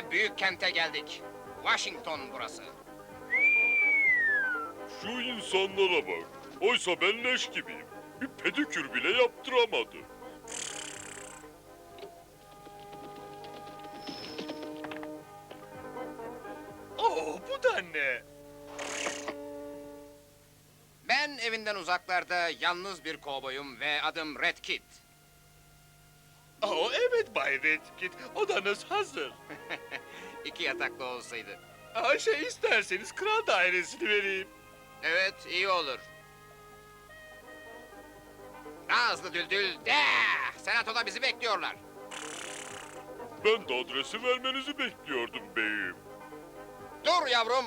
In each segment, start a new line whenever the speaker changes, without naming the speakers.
büyük kente geldik. Washington burası.
Şu insanlara bak. Oysa ben leş gibiyim. Bir pedikür bile yaptıramadı.
Oo, bu da ne?
Ben evinden uzaklarda yalnız bir kovboyum ve adım Red Kit.
Oo, evet Bay Redkit, odanız hazır.
2 yataklı olsaydı.
İsterseniz kral dairesini vereyim.
Evet, iyi olur. Daha hızlı Düldül. De! Senatoda bizi bekliyorlar.
Ben de adresi vermenizi bekliyordum beyim.
Dur yavrum.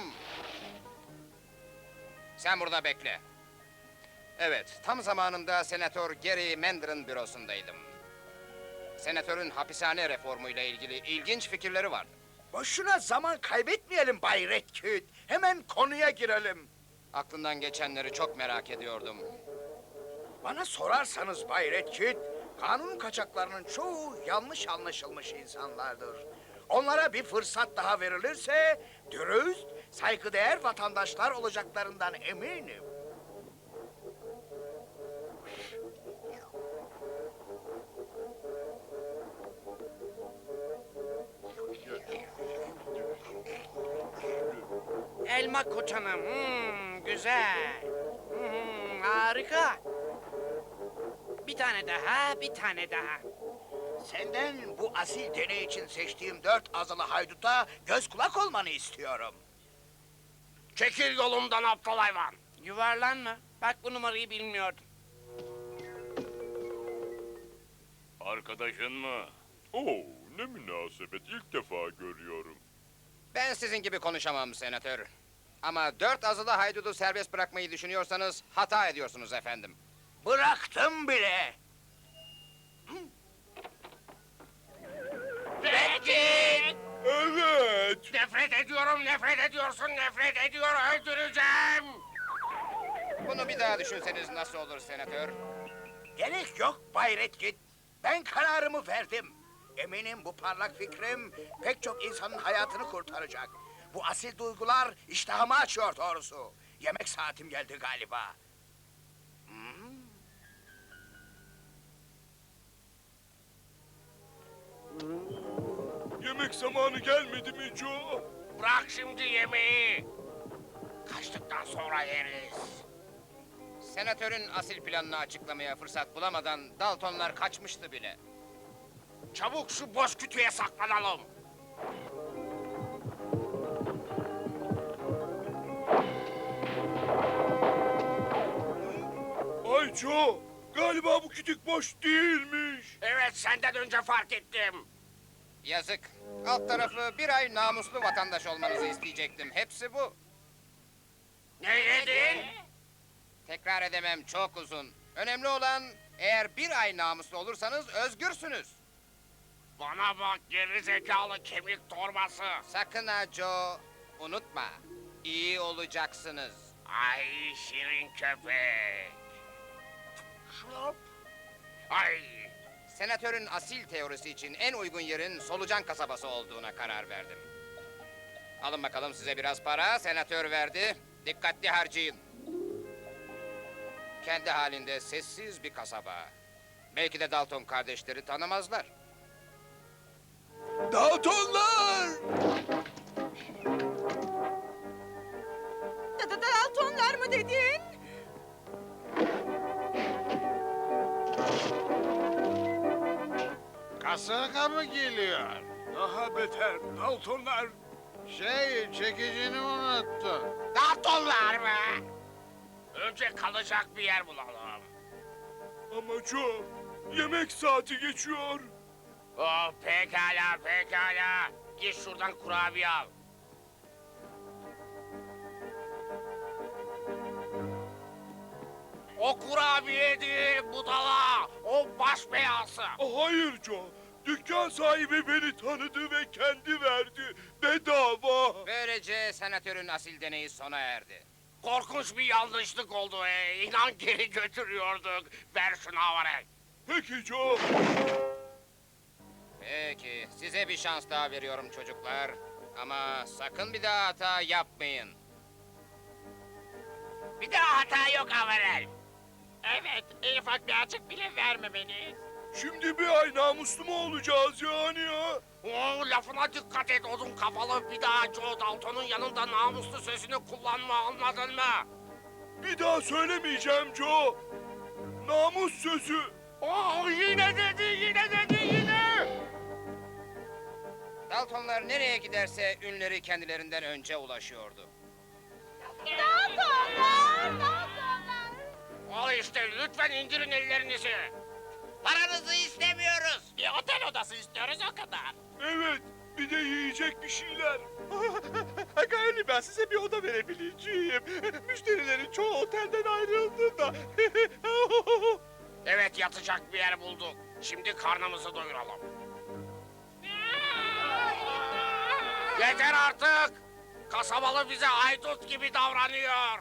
Sen burada bekle. Evet, tam zamanında Senatör Gary Mander'ın bürosundaydım. Senatörün hapishane reformuyla ilgili ilginç fikirleri vardı.
Boşuna zaman kaybetmeyelim Bay Redkit. Hemen konuya girelim.
Aklından geçenleri çok merak ediyordum.
Bana sorarsanız Bay Redkit, kanun kaçaklarının çoğu yanlış anlaşılmış insanlardır. Onlara bir fırsat daha verilirse dürüst, saygıdeğer vatandaşlar olacaklarından eminim.
Elma koçanım, güzel. Harika. Bir tane daha, bir tane daha.
Senden bu asil deney için seçtiğim 4 azılı hayduta göz kulak olmanı istiyorum.
Çekil yolumdan aptal hayvan.
Yuvarlanma. Bak bu numarayı bilmiyordum.
Arkadaşın mı?
Oo, ne münasebet, ilk defa görüyorum.
Ben sizin gibi konuşamam senatör. Ama 4 azılı haydudu serbest bırakmayı düşünüyorsanız hata ediyorsunuz efendim.
Bıraktım bile.
Redkit!
Evet.
Nefret ediyorum, nefret ediyorsun, nefret ediyor, öldüreceğim! Bunu bir daha düşünseniz nasıl olur senatör?
Gerek yok Bay Redkit. Ben kararımı verdim. Eminim bu parlak fikrim pek çok insanın hayatını kurtaracak. Bu asil duygular iştahımı açıyor doğrusu. Yemek saatim geldi galiba.
Yemek zamanı gelmedi mi Joe?
Bırak şimdi yemeği! Kaçtıktan sonra yeriz. Senatörün asil planını açıklamaya fırsat bulamadan Daltonlar kaçmıştı bile. Çabuk şu boş kütüğe saklanalım.
Ay Joe, galiba bu kütük boş değilmiş.
Evet, senden önce fark ettim. Yazık. Alt tarafı bir ay namuslu vatandaş olmanızı isteyecektim. Hepsi bu. Ne dedin? Tekrar edemem, çok uzun. Önemli olan eğer bir ay namuslu olursanız özgürsünüz. Bana bak geri zekalı kemik torbası. Sakın ha Joe, unutma. İyi olacaksınız. Ay şirin köpek. Şlop. Ay. Senatörün asil teorisi için en uygun yerin Solucan kasabası olduğuna karar verdim. Alın bakalım size biraz para, senatör verdi. Dikkatli harcayın. Kendi halinde sessiz bir kasaba. Belki de Dalton kardeşleri tanımazlar.
Daltonlar!
Daltonlar mı dedin?
Kasırga mı geliyor?
Daha beter, Daltonlar.
Çekicini unuttun.
Daltonlar mı? Önce kalacak bir yer bulalım.
Ama Joe, yemek saati geçiyor.
Oh pekala pekala. Git şuradan kurabiye al. O kurabiye değil budala. O baş belası.
Hayır Joe, dükkan sahibi beni tanıdı ve kendi verdi. Bedava.
Böylece senatörün asil deneyi sona erdi. Korkunç bir yanlışlık oldu. İnan geri götürüyorduk. Ver şunu havare.
Peki Joe.
Peki, size bir şans daha veriyorum çocuklar. Ama sakın bir daha hata yapmayın.
Bir daha hata yok Avarel. Evet, en ufak bir açık bile vermemeliyiz.
Şimdi bir ay namuslu mu olacağız yani ya?
Oo, lafına dikkat et odun kafalı. Bir daha Joe Dalton'un yanında namuslu sözünü kullanma, anladın mı?
Bir daha söylemeyeceğim Joe. Namus sözü.
Oo, yine dedi.
Daltonlar nereye giderse ünleri kendilerinden önce ulaşıyordu.
Daltonlar!
Al işte, lütfen indirin ellerinizi. Paranızı istemiyoruz. Bir otel odası istiyoruz, o kadar.
Evet, bir de yiyecek bir şeyler.
Galiba size bir oda verebileceğim. Müşterilerin çoğu otelden ayrıldı da.
Evet, yatacak bir yer bulduk. Şimdi karnımızı doyuralım. Yeter artık! Kasabalı bize haydut gibi davranıyor.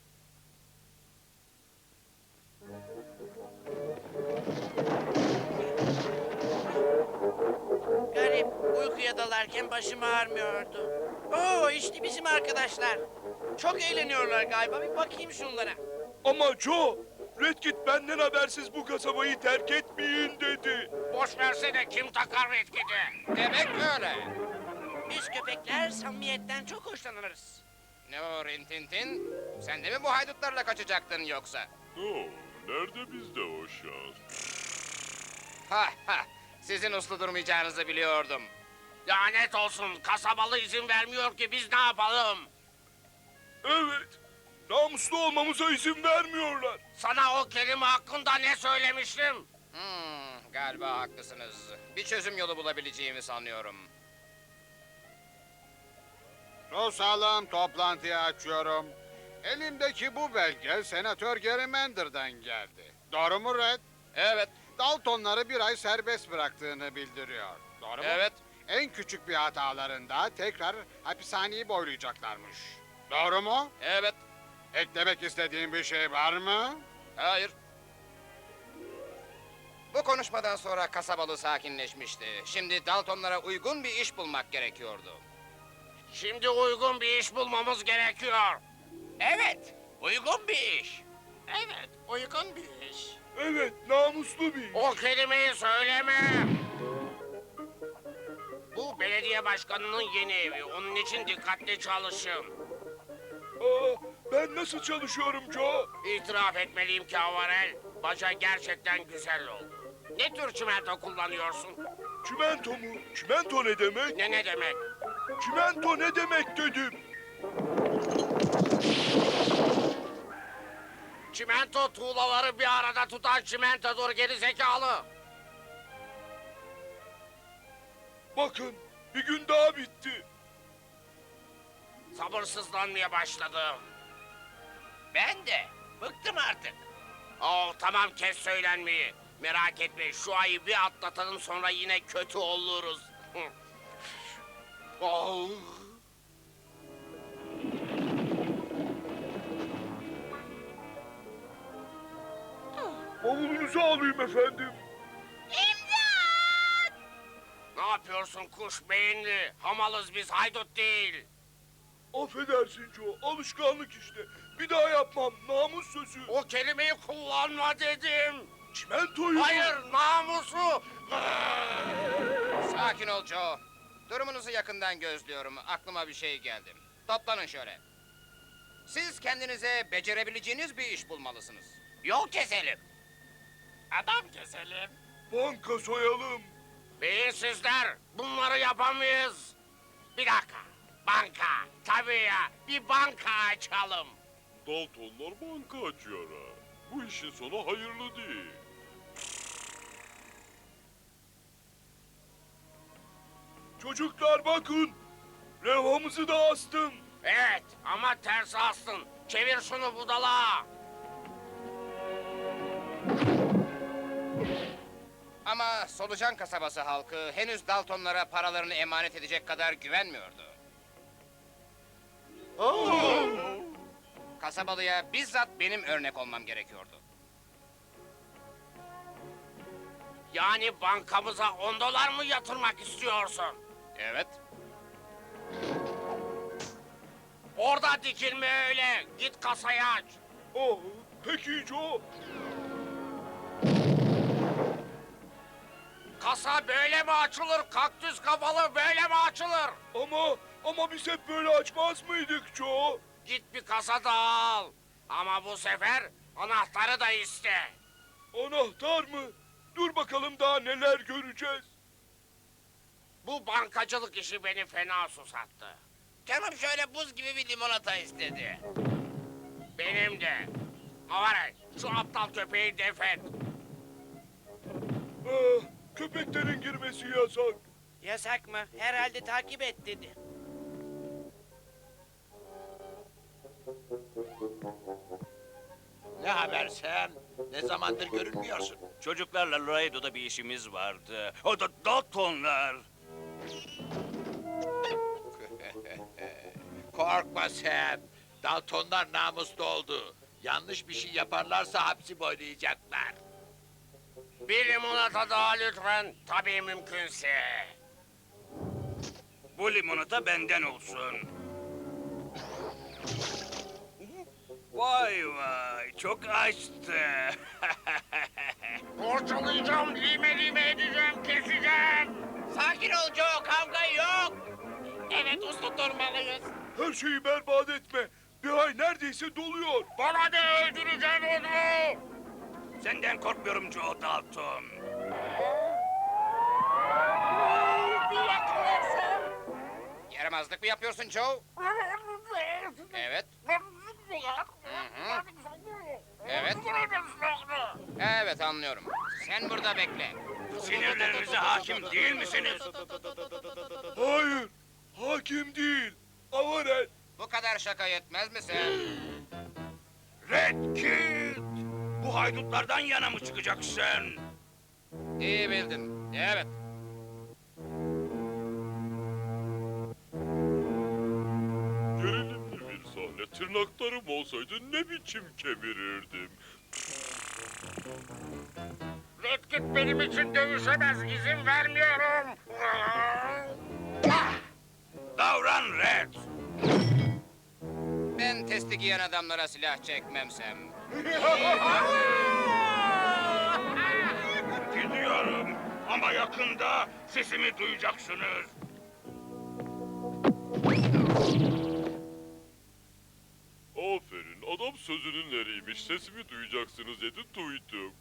Garip, uykuya dalarken başım ağrımıyordu. Oo, işte bizim arkadaşlar. Çok eğleniyorlar galiba, bir bakayım şunlara.
Ama Joe, Redkit benden habersiz bu kasabayı terk etmeyin dedi.
Boş versene, kim takar Redkit'i?
Demek öyle.
Biz köpekler samimiyetten çok hoşlanırız.
Ne o Rintintin? Sen de mi bu haydutlarla kaçacaktın yoksa?
Nerede bizde o şans?
Ha ha, sizin uslu durmayacağınızı biliyordum.
Lanet olsun, kasabalı izin vermiyor ki biz ne yapalım?
Evet, namuslu olmamıza izin vermiyorlar.
Sana o kelime hakkında ne söylemiştim?
Galiba haklısınız. Bir çözüm yolu bulabileceğimi sanıyorum.
Susalım, toplantıyı açıyorum. Elimdeki bu belge Senatör Gerrymander'dan geldi. Doğru mu Red?
Evet,
Daltonları bir ay serbest bıraktığını bildiriyor. Doğru mu?
evet.
En küçük bir hatalarında tekrar hapishaneyi boylayacaklarmış. Doğru mu?
Evet,
Eklemek istediğin bir şey var mı?
hayır. Bu konuşmadan sonra kasabalı sakinleşmişti. Şimdi Daltonlara uygun bir iş bulmak gerekiyordu.
Şimdi uygun bir iş bulmamız gerekiyor. Evet, uygun bir iş. Evet, uygun bir iş.
Evet, namuslu bir iş.
O kelimeyi söyleme. Bu belediye başkanının yeni evi. Onun için dikkatli çalışın.
Ben nasıl çalışıyorum Joe?
İtiraf etmeliyim ki Avarel, baca gerçekten güzel oldu. Ne tür çimento kullanıyorsun?
Çimento mu? Çimento ne demek?
Ne demek?
Çimento ne demek dedim.
Çimento tuğlaları bir arada tutan çimentodur geri zekalı.
Bakın, bir gün daha bitti.
Sabırsızlanmaya başladım. Ben de. Bıktım artık. Oh tamam, kes söylenmeyi. Merak etme, şu ayı bir atlatalım, sonra yine kötü oluruz. Oh.
Bavulunuzu alayım efendim.
Ne yapıyorsun kuş beyinli? Hamalız biz, haydut değil.
Affedersin Joe, alışkanlık işte. Bir daha yapmam, namus sözü.
O kelimeyi kullanma dedim.
Çimentoyu...
Hayır, namusu.
Sakin ol Joe. Durumunuzu yakından gözlüyorum. Aklıma bir şey geldi. Toplanın şöyle. Siz kendinize becerebileceğiniz bir iş bulmalısınız.
Yol keselim. Adam keselim.
Banka soyalım.
Beyinsizler, bunları yapamayız. Bir dakika, banka. Tabii ya, bir banka açalım.
Daltonlar banka açıyor ha. Bu işin sonu hayırlı değil. Çocuklar bakın. Levhamızı da astım.
Evet, ama ters astın. Çevir şunu budala.
Ama Solucan kasabası halkı henüz Daltonlara paralarını emanet edecek kadar güvenmiyordu. Kasabalıya bizzat benim örnek olmam gerekiyordu.
Yani bankamıza 10 dolar mı yatırmak istiyorsun?
Evet.
Orada dikilme öyle. Git kasayı aç.
Oh, peki Joe.
Kasa böyle mi açılır? Kaktüs kafalı böyle mi açılır?
Ama biz hep böyle açmaz mıydık Joe?
Git bir kasa daha al. Ama bu sefer anahtarı da iste.
Anahtar mı? Dur bakalım daha neler göreceğiz.
Bu bankacılık işi beni fena susattı.
Canım şöyle buz gibi bir limonata istedi.
Benim de. Avare, şu aptal köpeği def et.
Ah, köpeklerin girmesi yasak.
Yasak mı? Herhalde takip et dedi.
Ne haber sen? Ne zamandır görünmüyorsun?
Çocuklarla Laredo'da bir işimiz vardı. O da Daltonlar.
Korkma sen. Daltonlar namuslu oldu. Yanlış bir şey yaparlarsa hapsi boylayacaklar.
Bir limonata daha lütfen. Tabii mümkünse.
Bu limonata benden olsun. Vay vay, çok açtı.
Borçalayacağım, lime edeceğim, keseceğim.
Sakin ol Joe, kavga yok. Evet, uslu durmalıyız.
Her şeyi berbat etme. Bir ay neredeyse doluyor.
Bana da öldüreceğim onu.
Senden korkmuyorum Joe Dalton.
Yaramazlık mı yapıyorsun Joe? Evet. Hı. Evet. Evet, anlıyorum. Sen burada bekle.
Sinirlerinize hakim değil misiniz?
Hayır, hakim değil. Avaret.
Bu kadar şaka yetmez mi sen?
Red Kid! Bu haydutlardan yana mı çıkacaksın?
İyi bildin. Evet.
Gerilimli bir sahne. Tırnaklarım olsaydı ne biçim kemirirdim.
Redkit benim için dövüşemez, izin vermiyorum.
Davran Red!
Ben testi giyen adamlara silah çekmemsem.
Gidiyorum ama yakında sesimi duyacaksınız.
Aferin, adam sözünün eriymiş. Sesimi duyacaksınız dedi, duydum.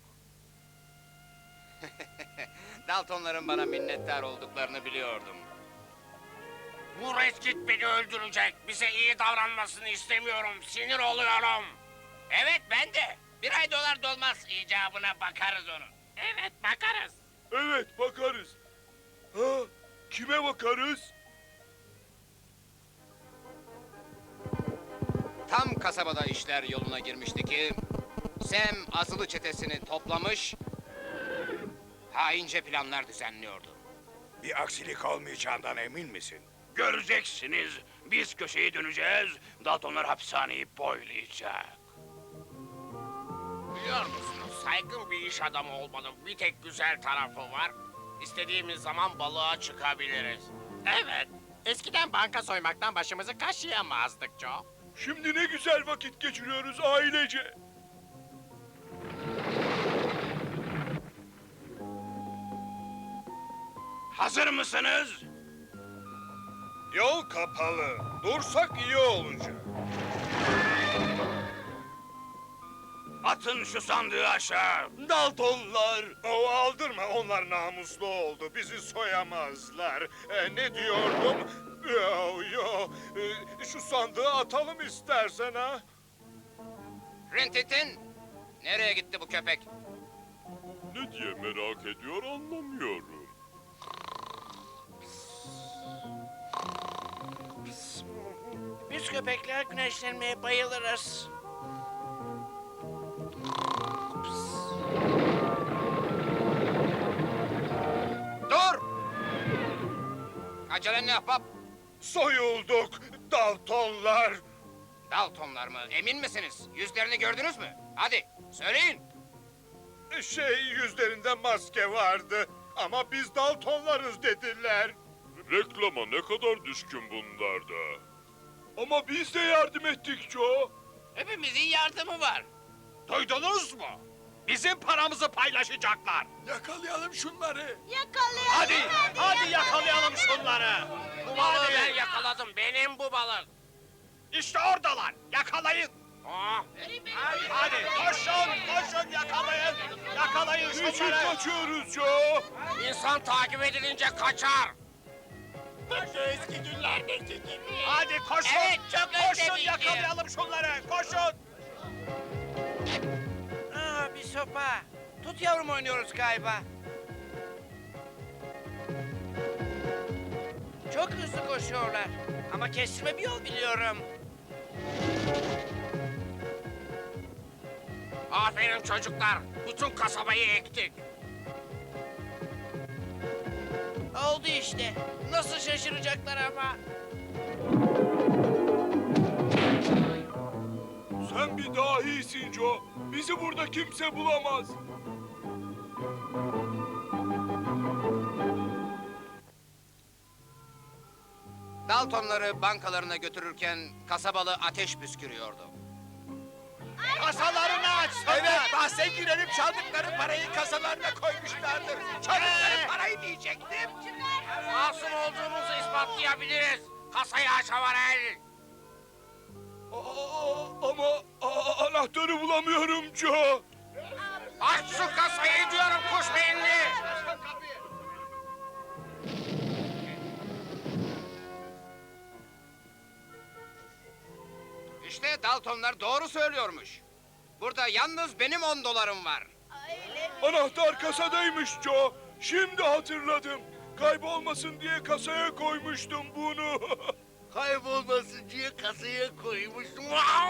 Daltonların bana minnettar olduklarını biliyordum.
Bu Redkit beni öldürecek. Bize iyi davranmasını istemiyorum. Sinir oluyorum.
Evet, ben de. Bir ay dolar dolmaz icabına bakarız onun.
Evet, bakarız.
Evet, bakarız. Ha, kime bakarız?
Tam kasabada işler yoluna girmişti ki... Sam azılı çetesini toplamış... Haince planlar düzenliyordu.
Bir aksilik olmayacağından emin misin?
Göreceksiniz. Biz köşeyi döneceğiz. Daltonlar hapishaneyi boylayacak.
Biliyor musunuz, saygın bir iş adamı olmanın bir tek güzel tarafı var. İstediğimiz zaman balığa çıkabiliriz.
Evet, eskiden banka soymaktan başımızı kaşıyamazdık Joe.
Şimdi ne güzel vakit geçiriyoruz ailece.
Hazır mısınız?
Yol kapalı. Dursak iyi olacak.
Atın şu sandığı aşağı.
Daltonlar! Aldırma, onlar namuslu oldu. Bizi soyamazlar. Ne diyordum? Yo. Şu sandığı atalım istersen ha.
Rintintin! Nereye gitti bu köpek?
Ne diye merak ediyor anlamıyorum.
Biz köpekler güneşlenmeye bayılırız.
Dur! Acelen ne ahbap?
Soyulduk, Daltonlar!
Daltonlar mı? Emin misiniz? Yüzlerini gördünüz mü? Hadi söyleyin.
Yüzlerinde maske vardı. Ama biz Daltonlarız dediler.
Reklama ne kadar düşkün bunlar da. Ama biz de yardım ettik Joe.
Hepimizin yardımı var.
Duydunuz mu? Bizim paramızı paylaşacaklar.
Yakalayalım şunları.
Yakalayalım.
Hadi yakalayalım şunları.
Bu balığı ben yakaladım. Benim bu balık.
İşte oradalar. Yakalayın.
Oh.
Hadi koşun yakalayın. Yakalayın
Niçin
şunları.
kaçıyoruz Joe?
İnsan takip edilince kaçar.
Eski günlerdeki gibi.
Hadi koşun.
Evet, çok
Koşun
özledim.
yakalayalım şunları. Koşun.
Aa, bir sopa. Tut yavrum oynuyoruz galiba. Çok hızlı koşuyorlar. Ama kestirme bir yol biliyorum.
Aferin çocuklar. Bütün kasabayı ektik.
Oldu işte. Nasıl şaşıracaklar ama.
Sen bir dahisin Joe. Bizi burada kimse bulamaz.
Daltonları bankalarına götürürken kasabalı ateş püskürüyordu.
Kasalarını açsınlar.
Evet, bahse girelim çaldıkları parayı kasalarına koymuşlardır. Çaldıkları parayı diyecektim.
Masum olduğumuzu ispatlayabiliriz. Kasayı aç Havarel.
Ama anahtarı bulamıyorum Joe.
Aç şu kasayı diyorum kuş beyinli.
İşte Daltonlar doğru söylüyormuş. Burada yalnız benim 10 dolarım var.
Anahtar kasadaymış Joe. Şimdi hatırladım. Kaybolmasın diye kasaya koymuştum bunu.
Kaybolmasın diye kasaya koymuştum.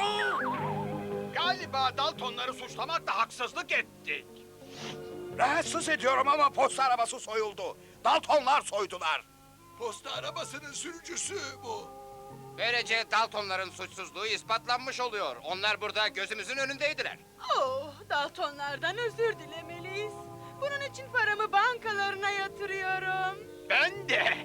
Galiba Daltonları suçlamakla haksızlık ettik.
Rahatsız ediyorum ama posta arabası soyuldu. Daltonlar soydular.
Posta arabasının sürücüsü bu.
Böylece Daltonların suçsuzluğu ispatlanmış oluyor. Onlar burada gözümüzün önündeydiler.
Oh, Daltonlardan özür dilemeliyiz. Bunun için paramı bankalarına yatırıyorum.
Ben de.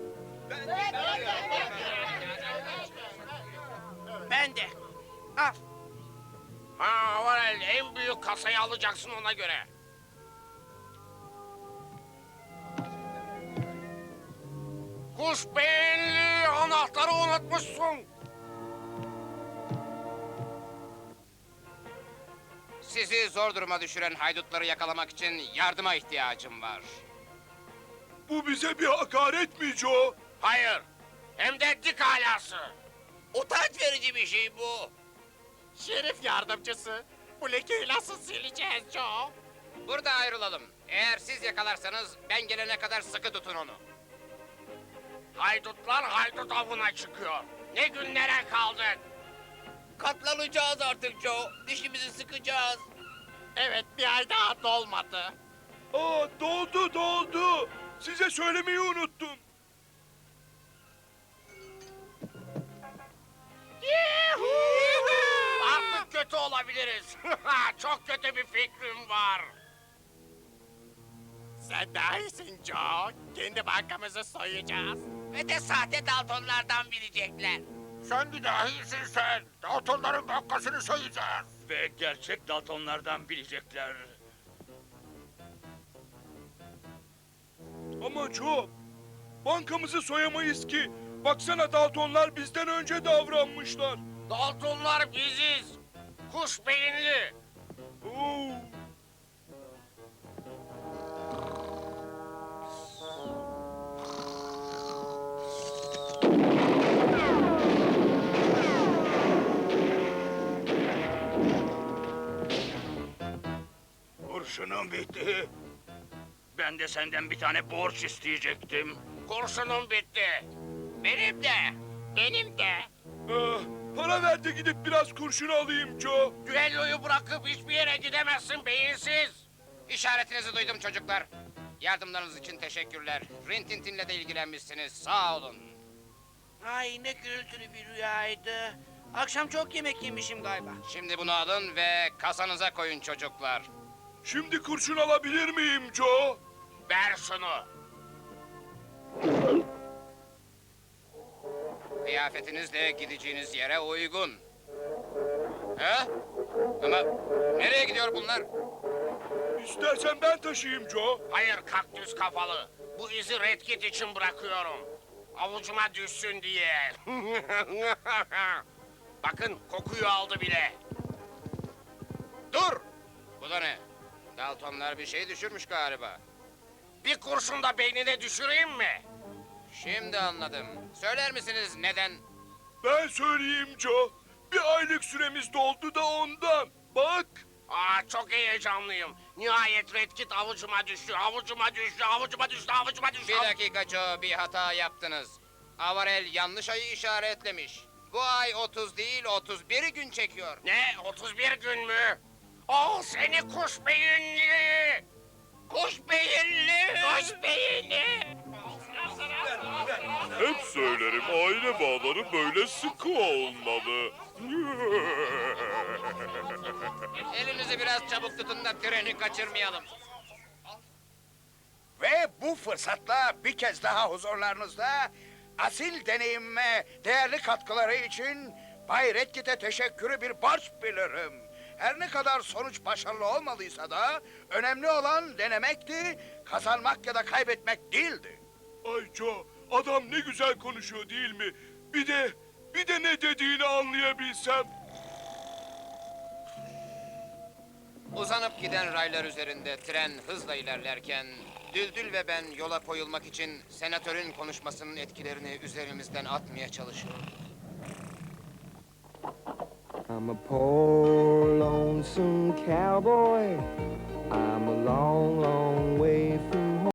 Ben de. Al.
Ha Havarel en büyük kasayı alacaksın ona göre. Kuş beyinli anahtarı unutmuşsun.
Sizi zor duruma düşüren haydutları yakalamak için yardıma ihtiyacım var.
Bu bize bir hakaret mi Joe?
Hayır. Hem de dik alası. Utanç verici bir şey bu.
Şerif yardımcısı. Bu lekeyi nasıl sileceğiz Joe?
Burada ayrılalım. Eğer siz yakalarsanız ben gelene kadar sıkı tutun onu.
Haydutlar haydut avına çıkıyor. Ne günlere kaldık.
Katlanacağız artık Joe. Dişimizi sıkacağız. Evet, bir ay daha dolmadı.
Doldu. Size söylemeyi unuttum.
Artık kötü olabiliriz. Çok kötü bir fikrim var.
Sen daha iyisin Joe. Kendi bankamızı soyacağız.
Ve de sahte Daltonlardan bilecekler.
Sen bir dahisin sen. Daltonların bankasını soyacağız.
Ve gerçek Daltonlardan bilecekler.
Ama Joe, bankamızı soyamayız ki. Baksana Daltonlar bizden önce davranmışlar.
Daltonlar biziz. Kuş beyinli.
Oo.
Kurşunum bitti.
Ben de senden bir tane borç isteyecektim.
Kurşunum bitti. Benim de.
Benim de.
Para ver de gidip biraz kurşun alayım Joe.
Düelloyu bırakıp hiçbir yere gidemezsin beyinsiz.
İşaretinizi duydum çocuklar. Yardımlarınız için teşekkürler. Rintintin'le de ilgilenmişsiniz. Sağ olun. Ay ne gürültülü bir rüyaydı. Akşam çok yemek yemişim galiba. Şimdi bunu alın ve kasanıza koyun çocuklar.
Şimdi kurşun alabilir miyim Joe?
Ver şunu.
Kıyafetiniz de gideceğiniz yere uygun. He? Ama nereye gidiyor bunlar?
İstersen ben taşıyayım Joe.
Hayır kaktüs kafalı. Bu izi Red Kit için bırakıyorum. Avucuma düşsün diye. Bakın kokuyu aldı bile.
Dur! Bu da ne? Daltonlar bir şey düşürmüş galiba.
Bir kurşun da beynine düşüreyim mi?
Şimdi anladım. Söyler misiniz neden?
Ben söyleyeyim Joe. Bir aylık süremiz doldu da ondan. Bak.
Çok heyecanlıyım. Nihayet Red Kit avucuma düştü, avucuma düştü, avucuma düştü, avucuma düştü.
Bir dakika Joe, bir hata yaptınız. Avarel yanlış ayı işaretlemiş. Bu ay 30 değil 31 gün çekiyor.
Ne? 31 gün mü? Oh seni kuş beyinli! Kuş beyinli! Kuş beyinli!
Hep söylerim aile bağları böyle sıkı olmalı.
Elinizi biraz çabuk tutun da treni kaçırmayalım.
Ve bu fırsatla bir kez daha huzurlarınızda asil deneyimime değerli katkıları için Bay Redkit'e teşekkürü bir borç bilirim. Her ne kadar sonuç başarılı olmadıysa da önemli olan denemekti, kazanmak ya da kaybetmek değildi.
Ay Joe, adam ne güzel konuşuyor değil mi? Bir de ne dediğini anlayabilsem.
Uzanıp giden raylar üzerinde tren hızla ilerlerken Düldül ve ben yola koyulmak için senatörün konuşmasının etkilerini üzerimizden atmaya çalışıyoruz.
I'm a poor lonesome cowboy.